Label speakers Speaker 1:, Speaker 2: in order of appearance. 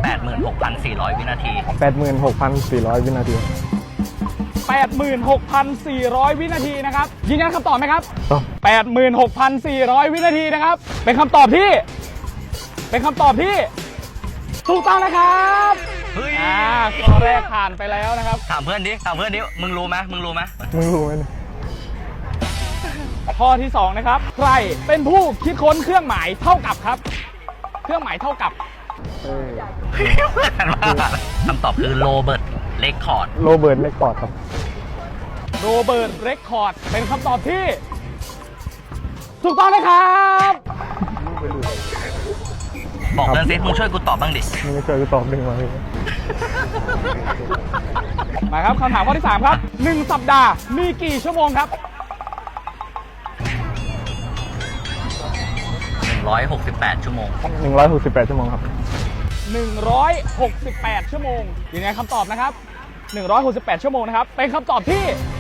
Speaker 1: 86,400 วินาที
Speaker 2: 86,400 วินาที
Speaker 3: 86,400 วินาทีนะครับยืนยันคำตอบไหมครับ
Speaker 2: ครับ
Speaker 3: 86,400 วินาทีนะครับเป็นคำตอบที่ถูกต้องนะครับ
Speaker 1: เฮ้ย
Speaker 3: ข้อแรกผ่านไปแล้วนะครับ
Speaker 1: ถามเพื่อนดิมึงรู้ไหม
Speaker 2: มึงรู้ไหมเนี่ย
Speaker 3: ข้อที่2นะครับใครเป็นผู้คิดค้นเครื่องหมายเท่ากับครับเครื่องหมายเท่ากับ
Speaker 1: คำตอบคือโรเบิร์ตเลคคอร์ด
Speaker 2: โรเบิร์ตเรคคอร์ดครับ
Speaker 3: โรเบิร์ตเรคคอร์ดเป็นคำตอบที่ถูกต้องนะครับ
Speaker 1: บอกเพื่อนซิมึงช่วยกูตอบบ้างดิ
Speaker 2: มึงไม่เคยตอบหนึ่งมาเลย
Speaker 3: มาครับคำถามข้อที่3ครับ1สัปดาห์มีกี่ชั่วโมงครับ
Speaker 1: 168 ชั่วโมง
Speaker 2: 168 ชั่วโมงครับ
Speaker 3: 168 ชั่วโมงยืนยันคำตอบนะครับ168 ชั่วโมงนะครับเป็นคำตอบที่